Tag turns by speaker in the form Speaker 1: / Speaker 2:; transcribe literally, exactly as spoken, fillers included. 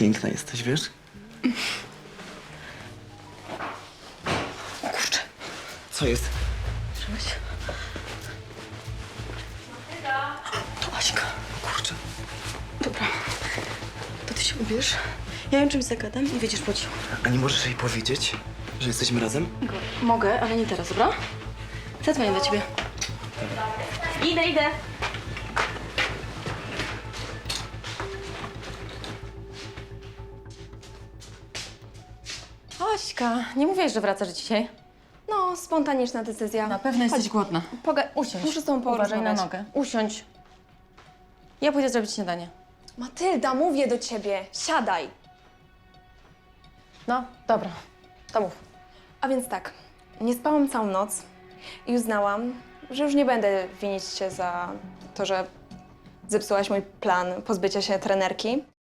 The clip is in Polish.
Speaker 1: piękna jesteś, wiesz?
Speaker 2: O kurczę,
Speaker 1: Co jest?
Speaker 2: słyszałeś? To Aśka.
Speaker 1: Kurczę.
Speaker 2: Dobra, to ty się ubierz. Ja ją czymś zagadam i wyjdziesz po cichu.
Speaker 1: A nie możesz jej powiedzieć, że jesteśmy razem?
Speaker 2: Mogę, ale nie teraz, dobra? Zadzwonię do ciebie. Idę, idę.
Speaker 3: Aśka, nie mówiłeś, że wracasz dzisiaj?
Speaker 2: No, spontaniczna decyzja.
Speaker 3: Na pewno jesteś
Speaker 2: Chodź,
Speaker 3: głodna.
Speaker 2: Poga-
Speaker 3: Usiądź.
Speaker 2: Muszę z tobą
Speaker 3: Uważaj na
Speaker 2: porozmawiać.
Speaker 3: nogę. Usiądź. Ja pójdę zrobić śniadanie.
Speaker 2: Matylda, mówię do ciebie. Siadaj.
Speaker 3: No, dobra. To mów.
Speaker 2: A więc tak, nie spałam całą noc i uznałam, że już nie będę winić cię za to, że zepsułaś mój plan pozbycia się trenerki.